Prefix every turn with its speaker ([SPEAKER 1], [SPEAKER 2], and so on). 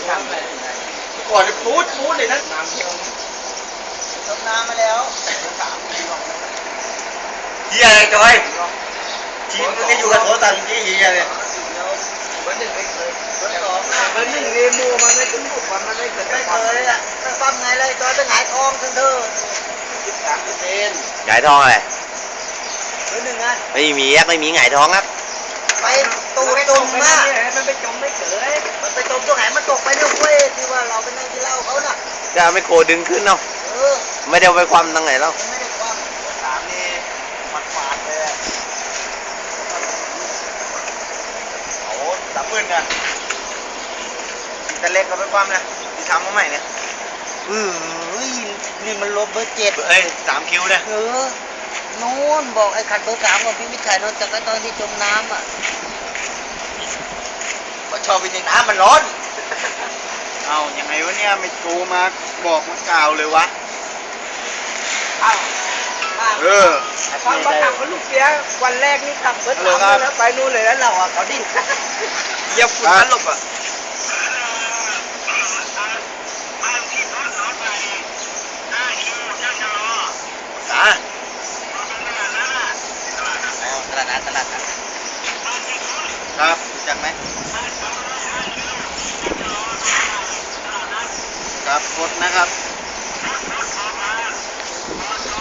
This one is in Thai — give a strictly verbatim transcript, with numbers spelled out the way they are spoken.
[SPEAKER 1] ก่อนจะพูดพูดเลยนะน้ำเที่ยวต้มน้ำมาแล้วเฮียอะไรจอยทีมนี้อยู่กับโถตันที่เฮียเลยเบอร์หนึ่งไม่เคยเบอร์สองเบอร์หนึ่งเรมูมันไม่ขึ้นบุกมันไม่เคยไม่เคยอ่ะตั้งไงเลยจอยจะหงายทองทั้งเธอสิบสามเปอร์เซ็นต์
[SPEAKER 2] หงายท้องอะไร
[SPEAKER 1] เบอร์หนึ่งอ่ะ
[SPEAKER 2] ไม่มีครับไม่มีหงายท้องครับ
[SPEAKER 1] ไปตูดจมนะมันไปจมไม่เฉยมันไปจมตรงไหนมันตกไปเนี่ยเว้ยที่ว่าเราไปนั่งกินเหล้าเขาน่ะ
[SPEAKER 2] จะไม่โคดึงขึ้นเนาะไม่ได้ไปความตั้งไหนแล้ว
[SPEAKER 1] ไม่ได้ความสามนี่มันฟาดเลยโอ้สามหมื่นนะแต่เล็กก็ไปความนะที่ทำมาใหม่เนี่ยเออนี่มันลบเบอร์เจ็ดเอ้ยสามคิวเนี่ยเออโน่นบอกไอ้ขัดเบอร์สามของพี่มิตรชัยนนท์จากตอนที่จมน้ำอ่ะก็ชอบไปในน้ำมันร้อนเอาอย่างไงวะเนี่ยไม่โทรมาบอกมากล่าวเลยวะเอาเออฟังมาขับกับลูกเสียวันแรกนี่ขับเบอร์สามแล้วไปนู่นเลยแล้วเราอ่ะเขาดิ้นเหยียบฝุ่นตลบอ่ะอ่ะตลาดนัดตลาดนัดครับรู้จักไหมครับกดนะครับ